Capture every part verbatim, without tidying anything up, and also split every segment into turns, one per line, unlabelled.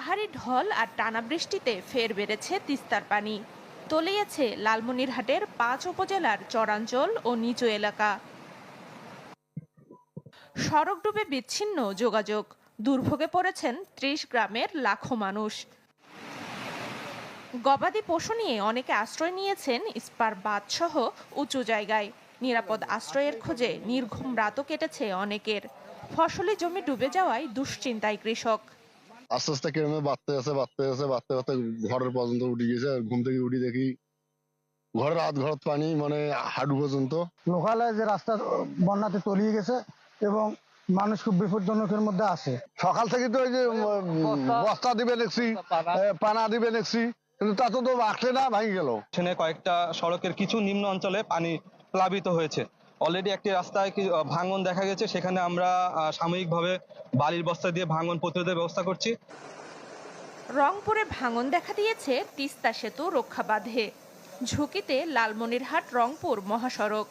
পাহাড়ি ঢল আর টানা বৃষ্টিতে ফের বেড়েছে তিস্তার পানি। তলিয়েছে লালমনিরহাটের পাঁচ উপজেলার চরাঞ্চল ও নিচু এলাকা। সড়ক ডুবে বিচ্ছিন্ন যোগাযোগ, দুর্ভোগে পড়েছেন ত্রিশ গ্রামের লাখো মানুষ। গবাদি পশু নিয়ে অনেকে আশ্রয় নিয়েছেন ইস্পার বাঁধসহ উঁচু জায়গায়। নিরাপদ আশ্রয়ের খোঁজে নির্ঘুম রাতও কেটেছে অনেকের। ফসলি জমি ডুবে যাওয়ায় দুশ্চিন্তায় কৃষক।
আস্তে আস্তে কেমন বাড়তে আছে বাড়তে আছে বাড়তে বাড়তে ঘরের পর্যন্ত উঠে গেছে। ঘুম থেকে উঠি দেখি ঘরের আধ ঘর পানি, মানে হাঁটু পর্যন্ত।
লোকালে যে রাস্তা বন্যাতে তলিয়ে গেছে এবং মানুষ খুব বিপজ্জনকের মধ্যে আছে।
সকাল থেকে তো ওই যে বস্তা দিবে দেখছি, পানা দিবে দেখছি, কিন্তু তা তো আসলে না, ভাঙি গেল।
সেখানে কয়েকটা সড়কের কিছু নিম্ন অঞ্চলে পানি প্লাবিত হয়েছে। অলরেডি একটি রাস্তায় ভাঙন দেখা গেছে, সেখানে আমরা সাময়িকভাবে বালির বস্তা দিয়ে ভাঙন প্রতিরোধের ব্যবস্থা করছি।
রংপুরে ভাঙন দেখা দিয়েছে তিস্তা সেতু রক্ষা বাঁধে। ঝুঁকিতে লালমনিরহাট রংপুর মহাসড়ক।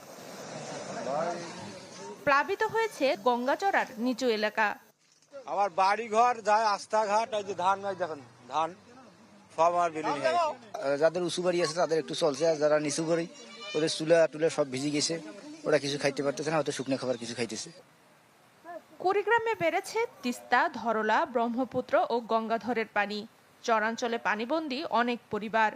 প্লাবিত হয়েছে গঙ্গাচড়ার নিচু এলাকা।
আমার বাড়ি ঘর যায়, রাস্তাঘাট, এই যে ধান গাছ দেখেন, ধান সব আমার বিলীন হয়ে গেছে।
যাদের উঁচু বাড়ি আছে তাদের একটু চলছে, আর যারা নিচু বাড়ি ওদের চুলা টুলা সব ভিজে গেছে। ওরা কিছু খাইতে পারতেছে না, হয়তো শুকনো খাবার কিছু খাইতেছে।
কুড়িগ্রামে বেড়েছে তিস্তা, ধরলা, ব্রহ্মপুত্র ও গঙ্গাধরের পানি। চরাঞ্চলে পানিবন্দী অনেক পরিবার।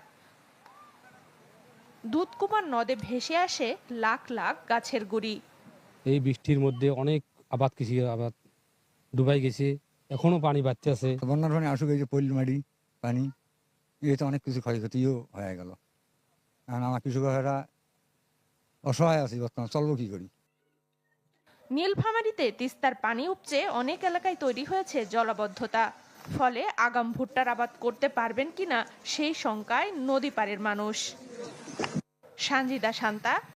দুধকুমার নদে ভেসে আসে লাখ লাখ গাছের গুড়ি।
এই বৃষ্টির মধ্যে অনেক আবাদ কৃষি আবাদ ডুবাই গেছে, এখনো পানি বাড়তে আছে।
বন্যার পানি আসুক, এই যে পল্লী মাটি পানি, এতে অনেক কিছু ক্ষয়ক্ষতিও হয়ে গেল। কারণ আমার কৃষকেরা অসহায় আছে, বর্তমান চলবো কি করি।
নীলফামারীতে তিস্তার পানি উপচে অনেক এলাকায় তৈরি হয়েছে জলাবদ্ধতা। ফলে আগাম ভুট্টার আবাদ করতে পারবেন কিনা সেই শঙ্কায় নদী পাড়ের মানুষ। সানজিদা শান্তা,